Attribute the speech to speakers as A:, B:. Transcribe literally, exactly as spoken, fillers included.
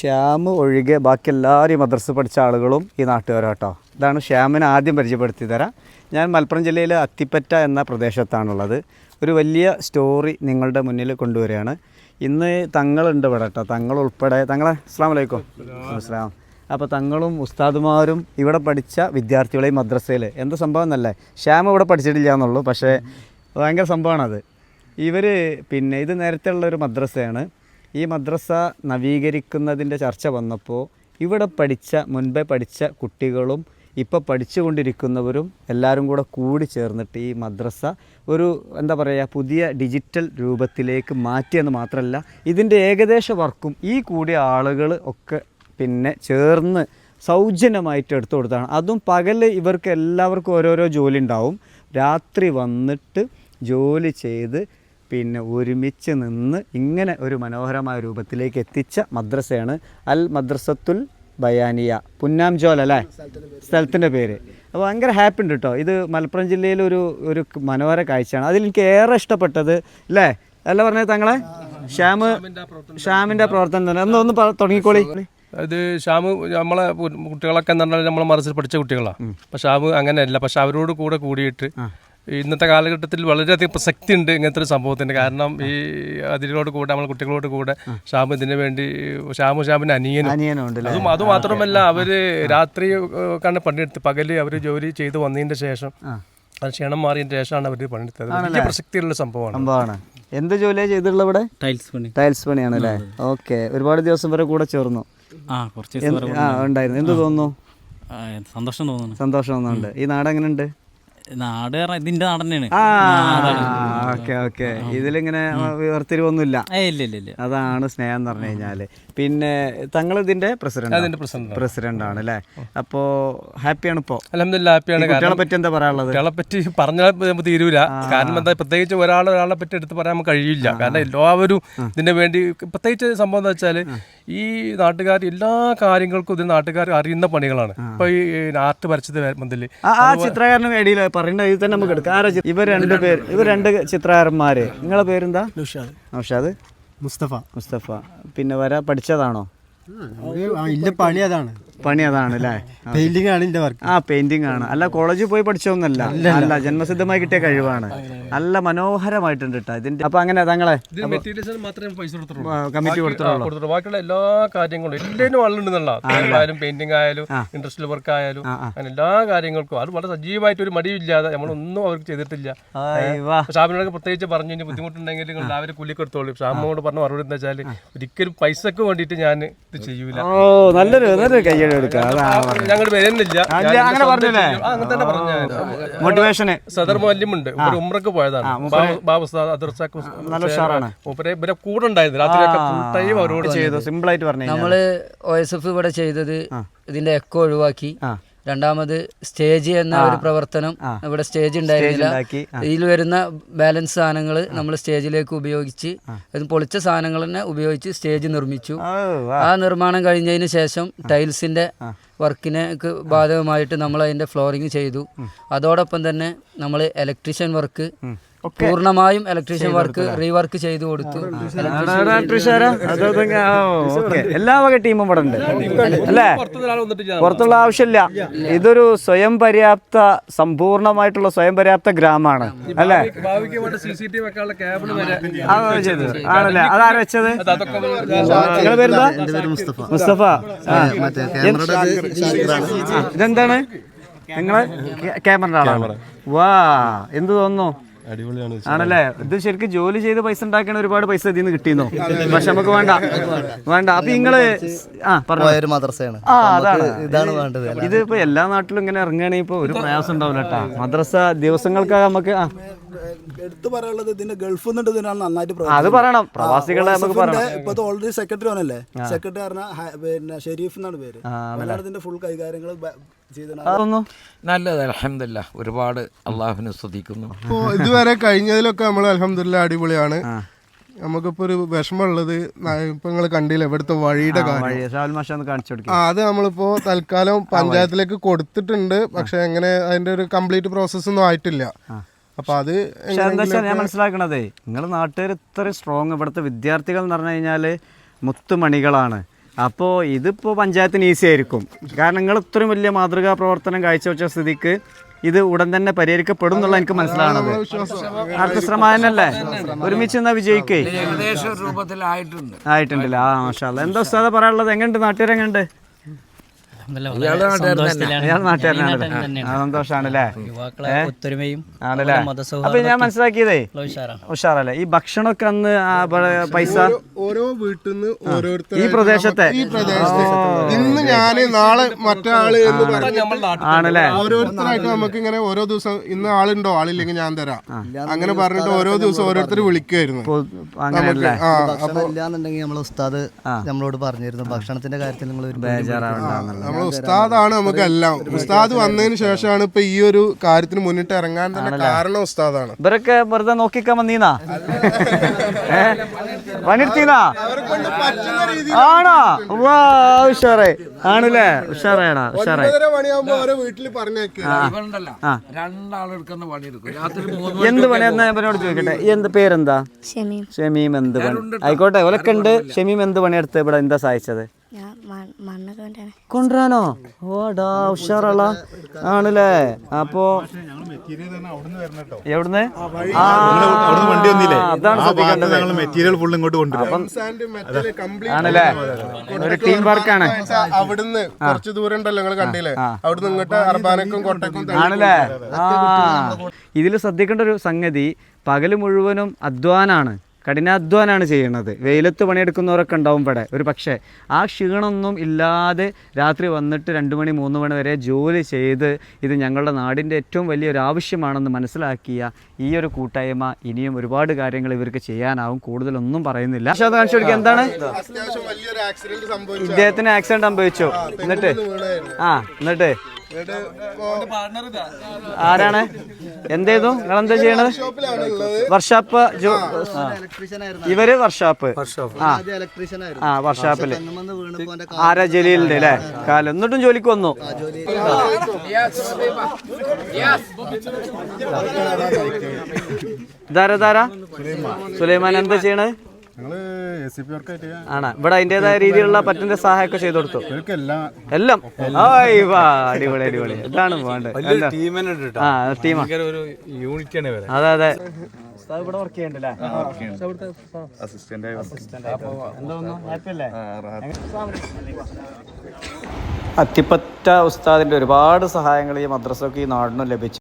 A: ശ്യാം ഒഴികെ ബാക്കി എല്ലാവരും മദ്രസ പഠിച്ച ആളുകളും ഈ നാട്ടുകാരാട്ടോ. ഇതാണ് ശ്യാമിനെ ആദ്യം പരിചയപ്പെടുത്തി തരാം. ഞാൻ മലപ്പുറം ജില്ലയിലെ അത്തിപ്പറ്റ എന്ന പ്രദേശത്താണുള്ളത്. ഒരു വലിയ സ്റ്റോറി നിങ്ങളുടെ മുന്നിൽ കൊണ്ടുവരികയാണ്. ഇന്ന് തങ്ങളുണ്ട് ഇവിടെ കേട്ടോ, തങ്ങൾ ഉൾപ്പെടെ. തങ്ങളെ അസ്സലാമു അലൈക്കും. അസ്സലാം. അപ്പോൾ തങ്ങളും ഉസ്താദുമാരും ഇവിടെ പഠിച്ച വിദ്യാർത്ഥികളെയും മദ്രസയിൽ എന്താ സംഭവം എന്നല്ലേ, ശ്യാം ഇവിടെ പഠിച്ചിട്ടില്ല എന്നുള്ളൂ, പക്ഷേ ഭയങ്കര സംഭവമാണത്. ഇവർ പിന്നെ ഇത് നേരത്തെ ഉള്ളൊരു മദ്രസയാണ്. ഈ മദ്രസ നവീകരിക്കുന്നതിൻ്റെ ചർച്ച വന്നപ്പോൾ ഇവിടെ പഠിച്ച മുൻപേ പഠിച്ച കുട്ടികളും ഇപ്പോൾ പഠിച്ചുകൊണ്ടിരിക്കുന്നവരും എല്ലാവരും കൂടെ കൂടി ചേർന്നിട്ട് ഈ മദ്രസ ഒരു എന്താ പറയുക പുതിയ ഡിജിറ്റൽ രൂപത്തിലേക്ക് മാറ്റിയെന്ന് മാത്രമല്ല, ഇതിൻ്റെ ഏകദേശ വർക്കും ഈ കൂടിയ ആളുകൾ ഒക്കെ പിന്നെ ചേർന്ന് സൗജന്യമായിട്ട് എടുത്തു കൊടുത്താണ്. അതും പകൽ ഇവർക്ക് എല്ലാവർക്കും ഓരോരോ ജോലി ഉണ്ടാവും, രാത്രി വന്നിട്ട് ജോലി ചെയ്ത് പിന്നെ ഒരുമിച്ച് നിന്ന് ഇങ്ങനെ ഒരു മനോഹരമായ രൂപത്തിലേക്ക് എത്തിച്ച മദ്രസയാണ് അൽ മദ്രസത്തുൽ ബയാനിയ, പുന്നാംജോൽ അല്ലേ സ്ഥലത്തിൻ്റെ പേര്. അപ്പോൾ ഭയങ്കര ഹാപ്പി ഉണ്ട് കേട്ടോ. ഇത് മലപ്പുറം ജില്ലയിലൊരു ഒരു മനോഹര കാഴ്ചയാണ്. അതിലെനിക്ക് ഏറെ ഇഷ്ടപ്പെട്ടത് അല്ലേ അല്ല പറഞ്ഞത് തങ്ങളെ ശ്യാം ശ്യാമിൻ്റെ പ്രവർത്തനം തന്നെ ഒന്ന് ഒന്ന് തുടങ്ങിക്കോളി.
B: ഇത് ഷാമ് നമ്മളെ കുട്ടികളൊക്കെ എന്ന് പറഞ്ഞാൽ നമ്മളെ മദ്രസയിൽ പഠിച്ച കുട്ടികളാണ്. പക്ഷെ ഷാമ് അങ്ങനെയല്ല. പക്ഷെ അവരോട് കൂടെ കൂടിയിട്ട് ഇന്നത്തെ കാലഘട്ടത്തിൽ വളരെയധികം പ്രസക്തി ഉണ്ട് ഇങ്ങനത്തെ ഒരു സംഭവത്തിന്. കാരണം ഈ അതിലോട് കൂടെ നമ്മളെ കുട്ടികളോട് കൂടെ ഷാമ് ഇതിനു വേണ്ടി ഷാമു ഷാമിന് അനിയനും അതും അതുമാത്രമല്ല അവര് രാത്രി കണ്ട് പണിയെടുത്ത് പകല് അവര് ജോലി ചെയ്ത് വന്നതിന്റെ ശേഷം അത് ക്ഷീണം മാറിയതിന് ശേഷമാണ് അവർ പണിയെടുത്തത്. വലിയ പ്രസക്തിയുള്ള സംഭവമാണ്.
A: എന്ത് ജോലിയാണ് ചെയ്തിട്ടുള്ളത് ഇവിടെ?
C: ടൈൽസ് പണി.
A: ടൈൽസ് പണിയാണ് അല്ലേ? ഓക്കെ. ഒരുപാട് ദിവസം വരെ കൂടെ ചേർന്നു.
C: ആ കുറച്ച്
A: ഉണ്ടായിരുന്നു. എന്ത് തോന്നുന്നു?
C: സന്തോഷം തോന്നുന്നു.
A: സന്തോഷം തോന്നുന്നുണ്ട്. ഈ നാട് എങ്ങനെയുണ്ട്?
C: നാട് ഇതിന്റെ നാട് തന്നെയാണ്.
A: Okay okay. ഇതിലിങ്ങനെ വേർതിരിവൊന്നുമില്ല. അതാണ് സ്നേഹം എന്ന് പറഞ്ഞു കഴിഞ്ഞാല്. പിന്നെ തങ്ങൾ ഇതിന്റെ പ്രസിഡന്റ് പ്രസിഡന്റ് ആണ് അല്ലേ? അപ്പോ ഹാപ്പിയാണ് ഇപ്പോ?
B: അൽഹംദുലില്ലാ ഹാപ്പിയാണ്.
A: കുട്ടികളെ പറ്റി എന്താ പറയാനുള്ളത്?
B: കുട്ടികളെ പറ്റി പറഞ്ഞാൽ തീരൂല. കാരണം എന്താ, പ്രത്യേകിച്ച് ഒരാൾ ഒരാളെ പറ്റി എടുത്ത് പറയാൻ നമുക്ക് കഴിയില്ല. കാരണം എല്ലാവരും ഇതിന് വേണ്ടി പ്രത്യേകിച്ച് സംഭവം എന്ന് വെച്ചാൽ ഈ നാട്ടുകാർ എല്ലാ കാര്യങ്ങൾക്കും ഇത് നാട്ടുകാർ അറിയുന്ന പണികളാണ്. ഇപ്പൊ ഈ ആർട്ട് വരച്ചത് മന്തില്
A: ആ ചിത്രകാരന് വേണ്ടിയില്ല പറയേണ്ട ഇത് തന്നെ നമുക്ക് എടുക്കാം. ഇവർ രണ്ട് പേര് ഇവർ രണ്ട് ചിത്രകാരന്മാര്. നിങ്ങളെ പേരെന്താ? നൗഷാദ്.
D: മുസ്തഫ.
A: മുസ്തഫ. പിന്നെ വര പഠിച്ചതാണോ?
D: ഇല്ല, പണി അതാണ്.
A: പണി അതാണ് അല്ലേ?
D: പെയിന്റിംഗ് ആണ് എന്റെ വർക്ക്.
A: ആ പെയിന്റിംഗ് ആണ്. അല്ല കോളേജിൽ പോയി പഠിച്ചോന്നല്ല, അല്ല ജന്മസിദ്ധമായി കിട്ടിയ കഴിവാണ്. നല്ല മനോഹരമായിട്ടുണ്ട് കേട്ടോ ഇതിന്റെ. അപ്പൊ അങ്ങനെ തങ്ങളെ കമ്മിറ്റി കൊടുത്തിട്ടുള്ളൂ.
B: ബാക്കിയുള്ള എല്ലാ കാര്യങ്ങളും എല്ലാവരും ആളുണ്ടെന്നുള്ള ആയാലും പെയിന്റിംഗ് ആയാലും ഇൻഡസ്ട്രിയൽ വർക്ക് ആയാലും അങ്ങനെ എല്ലാ കാര്യങ്ങൾക്കും അത് വളരെ സജീവമായിട്ട് ഒരു മടിയില്ലാതെ നമ്മളൊന്നും അവർക്ക് ചെയ്തിട്ടില്ല. ഷാമിനോടൊക്കെ പ്രത്യേകിച്ച് പറഞ്ഞു ഇനി ബുദ്ധിമുട്ടുണ്ടെങ്കിൽ നിങ്ങൾ എല്ലാവരും കൂലിക്കെടുത്തോളൂ. ഷാമിനോട് പറഞ്ഞ മറുപടി എന്താ വെച്ചാൽ ഒരിക്കലും പൈസക്ക് വേണ്ടിയിട്ട് ഞാൻ ഇത് ചെയ്യൂല.
A: ഓ നല്ലൊരു നല്ലൊരു കയ്യടി. മോട്ടിവേഷന്
B: സദർ മല്യമുണ്ട്. ഉമ്രക്ക് പോയതാണ്. ഇവരെ കൂടെ ഉണ്ടായിരുന്നു. രാത്രിയൊക്കെ ഫുൾ ടൈം അവരോട് ചെയ്തു.
A: സിമ്പിൾ ആയിട്ട് പറഞ്ഞു.
E: നമ്മള് ഒ എസ് എഫ് ഇവിടെ ചെയ്തത് ഇതിന്റെ എക്കോ ഒഴിവാക്കി. രണ്ടാമത് സ്റ്റേജ് എന്ന ഒരു പ്രവർത്തനം ഇവിടെ സ്റ്റേജ് ഉണ്ടായിരുന്നില്ല. ഇതിൽ വരുന്ന ബാലൻസ് സാധനങ്ങൾ നമ്മൾ സ്റ്റേജിലേക്ക് ഉപയോഗിച്ച് അത് പൊളിച്ച സാധനങ്ങൾ തന്നെ ഉപയോഗിച്ച് സ്റ്റേജ് നിർമ്മിച്ചു. ആ നിർമ്മാണം കഴിഞ്ഞതിന് ശേഷം ടൈൽസിന്റെ വർക്കിനെ ബാധകമായിട്ട് നമ്മൾ അതിന്റെ ഫ്ലോറിങ് ചെയ്തു. അതോടൊപ്പം തന്നെ നമ്മൾ ഇലക്ട്രീഷ്യൻ വർക്ക് പൂർണ്ണമായും ഇലക്ട്രീഷ്യൻ വർക്ക് റീവർക്ക് ചെയ്തു കൊടുത്തു.
A: എല്ലാ വക ടീമും ഇവിടെ ഉണ്ട് അല്ലേ? പുറത്തുള്ള ആവശ്യമില്ല. ഇതൊരു സ്വയം പര്യാപ്ത സമ്പൂർണമായിട്ടുള്ള സ്വയം പര്യാപ്ത ഗ്രാമമാണ് അല്ലേ? ആണല്ലേ? അതാരാ വെച്ചത്? നിങ്ങളുടെ പേരെന്താ? മുസ്തഫ. ഇതെന്താണ്? നിങ്ങള് ക്യാമറ ആളാണ്. വാ, എന്ത് തോന്നുന്നു? ആണല്ലേ? ഇത് ശരിക്കും ജോലി ചെയ്ത് പൈസ ഉണ്ടാക്കണ ഒരുപാട് പൈസ ഇതിൽ നിന്ന് കിട്ടിയെന്നോ? പക്ഷെ നമുക്ക് വേണ്ട വേണ്ട. അപ്പൊ നിങ്ങള് ആ പറഞ്ഞു മദ്രസയാണ്. ആ അതാണ് ഇതാണ് വേണ്ടത്. ഇത് ഇപ്പൊ എല്ലാ നാട്ടിലും ഇങ്ങനെ ഇറങ്ങുകയാണെങ്കിൽ ഇപ്പൊ ഒരു പ്രയാസം ഉണ്ടാവില്ല കേട്ടാ. മദ്രസ ദിവസങ്ങൾക്ക് നമുക്ക് ആ
F: എടുത്തു പറയാനുള്ളത് ഇതിന്റെ ഗൾഫിൽ നിന്നിട്ട് ഇതിനാണ് നന്നായിട്ട്
A: അത് പറയണം. പ്രവാസികളെ നമുക്ക് പറയണം.
F: ഇപ്പൊ ഓൾറെഡി സെക്രട്ടറി ആണല്ലേ? സെക്രട്ടറി പറഞ്ഞ പിന്നെ ഷെരീഫ് എന്നാണ് പേര്. ഇതിന്റെ ഫുൾ കൈകാര്യങ്ങൾ
G: നല്ലത്. അൽഹംദുലില്ലാ, ഒരുപാട് അള്ളാഹുവിനെ സ്തുതിക്കുന്നു.
H: ഇപ്പോൾ ഇതുവരെ കഴിഞ്ഞതിലൊക്കെ നമ്മൾ അൽഹംദുലില്ലാ അടിപൊളിയാണ്. നമുക്കിപ്പോ ഒരു വിഷമമുള്ളത് ഇപ്പൊ നിങ്ങൾ കണ്ടില്ല ഇവിടുത്തെ വഴിയുടെ കാര്യം. അത് നമ്മളിപ്പോ തൽക്കാലം പഞ്ചായത്തിലേക്ക് കൊടുത്തിട്ടുണ്ട്. പക്ഷെ എങ്ങനെ അതിന്റെ ഒരു കംപ്ലീറ്റ് പ്രോസസ് ഒന്നും ആയിട്ടില്ല. അപ്പൊ അത്
A: ഞാൻ മനസ്സിലാക്കണതേ, നിങ്ങളുടെ നാട്ടുകാർ ഇത്ര സ്ട്രോങ്, ഇവിടുത്തെ വിദ്യാർത്ഥികൾ എന്ന് പറഞ്ഞു കഴിഞ്ഞാല് മുത്തുമണികളാണ്. അപ്പോൾ ഇതിപ്പോൾ പഞ്ചായത്തിന് ഈസി ആയിരിക്കും. കാരണം നിങ്ങൾ ഇത്രയും വലിയ മാതൃകാ പ്രവർത്തനം കാഴ്ചവെച്ച സ്ഥിതിക്ക് ഇത് ഉടൻ തന്നെ പരിഹരിക്കപ്പെടും എന്നുള്ള എനിക്ക് മനസ്സിലാണത്. അടുത്ത ശ്രമമാനല്ലേ, ഒരുമിച്ച് എന്നാ വിജയിക്കേ
G: ഏകദേശം രൂപത്തിലായിട്ടുണ്ട്
A: ആയിട്ടുണ്ടല്ലേ. ആ മാഷാ അല്ലാ. എന്താ ഉസ്താദ് പറയാനുള്ളത്? എങ്ങനെയുണ്ട് നാട്ടുകാരെങ്ങനെയുണ്ട്? അയാൾ നാട്ടുകാരനാണല്ലേ, സന്തോഷാണല്ലേ,
C: ഒത്തൊരുമയും
A: ആണല്ലേ. അപ്പൊ ഞാൻ മനസ്സിലാക്കിയതേ ഉഷാറല്ലേ. ഈ ഭക്ഷണമൊക്കെ അന്ന് ആ ബ- പൈസ
H: ഓരോ വീട്ടിൽ നിന്ന് ഓരോരുത്തർ
A: ഈ പ്രദേശത്തെ
H: ഈ പ്രദേശത്ത് ഇന്ന് ഞാന് നാളെ മറ്റാള് എന്ന് പറഞ്ഞ്
A: ആണല്ലേ.
H: ഓരോരുത്തരായിട്ട് നമുക്ക് ഇങ്ങനെ ഓരോ ദിവസം ഇന്ന് ആളുണ്ടോ ആളില്ലെങ്കിൽ ഞാൻ തരാം അങ്ങനെ പറഞ്ഞിട്ട് ഓരോ ദിവസം ഓരോരുത്തർ വിളിക്കുമായിരുന്നു.
A: അങ്ങനെയല്ലേ.
H: ആ
D: ഭക്ഷണം ഇല്ലാന്നുണ്ടെങ്കിൽ നമ്മളെ ഉസ്താദ് നമ്മളോട് പറഞ്ഞിരുന്നു ഭക്ഷണത്തിന്റെ കാര്യത്തിൽ നിങ്ങൾ ഒരു
A: ബേജാറാവണ്ടെന്നുള്ളത്.
H: നമ്മളെ ഉസ്താദാണ് നമുക്ക് എല്ലാം. ഉസ്താദ് വന്നതിന് ശേഷമാണ് ഇപ്പൊ ഈ ഒരു കാര്യത്തിന് മുന്നിട്ട് ഇറങ്ങാൻ തന്നെ കാരണം ഉസ്താദാണ്.
A: ഇവരൊക്കെ വെറുതെ നോക്കിക്കാൻ വന്നീന്നാ ഏ പണിയെടുത്തീന്നാ ആണോ? വാ ഉഷാറേ ആണല്ലേ. ഉഷാറേടാ ഉഷാറേ.
H: ഒമ്പതര മണിയാകുമ്പോ ഓരോ വീട്ടിൽ പറഞ്ഞേക്ക്.
G: ഇവരുണ്ടല്ലോ രണ്ടാളെടുക്കുന്ന പണിയെടുക്കും രാത്രി മൂന്ന്
A: എന്ത് പണി എന്നാ ഇവനോട് ചോദിക്കട്ടെ. എന്ത് പേരെന്താ?
I: ഷമീം.
A: ഷമീം. എന്ത് പണി? ആയിക്കോട്ടെ ഓലൊക്കെ ഉണ്ട്. ഷമീം എന്ത് പണിയെടുത്ത് ഇവിടെ എന്താ സഹായിച്ചത്?
I: ഞാൻ മണ്ണ് കൊണ്ടാണ്.
A: കൊണ്ടുവരാനോ? ഓടാ ഉഷാറുള്ള ആണല്ലേ. അപ്പോ എവിടുന്ന്? ആ, അതാണ് ശ്രദ്ധിക്കേണ്ടത്.
J: മെറ്റീരിയൽ ഫുൾ ഇങ്ങോട്ട് കൊണ്ടുവരും.
A: ആണല്ലേ. ഒരു ടീം വർക്കാണ്.
H: അവിടുന്ന് കുറച്ച് ദൂരം ഉണ്ടല്ലോ നിങ്ങൾ കണ്ടില്ലേ, അവിടുന്ന് ഇങ്ങോട്ട് അർബാനക്കും കൊട്ടക്കും
A: ആണല്ലേ. ആ ഇതിൽ ശ്രദ്ധിക്കേണ്ട ഒരു സംഗതി, പകല് മുഴുവനും അധ്വാനാണ്, കഠിനാധ്വാനാണ് ചെയ്യുന്നത്. വെയിലത്ത് പണിയെടുക്കുന്നവരൊക്കെ ഉണ്ടാവും ഇവിടെ. ഒരു പക്ഷേ ആ ക്ഷീണമൊന്നും ഇല്ലാതെ രാത്രി വന്നിട്ട് രണ്ട് മണി മൂന്ന് മണി വരെ ജോലി ചെയ്ത് ഇത് ഞങ്ങളുടെ നാടിൻ്റെ ഏറ്റവും വലിയൊരു ആവശ്യമാണെന്ന് മനസ്സിലാക്കിയ ഈ ഒരു കൂട്ടായ്മ ഇനിയും ഒരുപാട് കാര്യങ്ങൾ ഇവർക്ക് ചെയ്യാനാവും. കൂടുതലൊന്നും പറയുന്നില്ല. പക്ഷേ അത് കാണിച്ചു കൊടുക്കുക. എന്താണ്
H: അത്യാവശ്യം വലിയൊരു ആക്സിഡന്റ് സംഭവിച്ചു.
A: ഇദ്ദേഹത്തിന് ആക്സിഡന്റ് സംഭവിച്ചു. എന്നിട്ട് ആ എന്നിട്ട് ആരാണ് എന്തേതു നിങ്ങളെന്താ ചെയ്യണത്? വർഷാപ്പ്. ഇവര് വർഷാപ്പ്. ആ വർഷാപ്പില് ആരാ? ജലീലിന്റെ അല്ലേ കാലം. എന്നിട്ടും ജോലിക്ക് വന്നു. ധാര ധാര സുലൈമാൻ എന്താ ചെയ്യണത്? ആണ് ഇവിടെ അതിൻ്റെതായ രീതിയിലുള്ള പറ്റുന്ന സഹായമൊക്കെ ചെയ്തു കൊടുത്തു. എല്ലാം അടിപൊളി അടിപൊളി. ഇതാണ് വേണ്ടത്. ആ ടീമാ. അതെ അതെ. ഇവിടെ വർക്ക് ചെയ്യണ്ടല്ലേ? അത്തിപ്പറ്റ ഉസ്താദിന്റെ ഒരുപാട് സഹായങ്ങൾ ഈ മദ്രസക്ക് ഈ നാടിനും ലഭിച്ചു.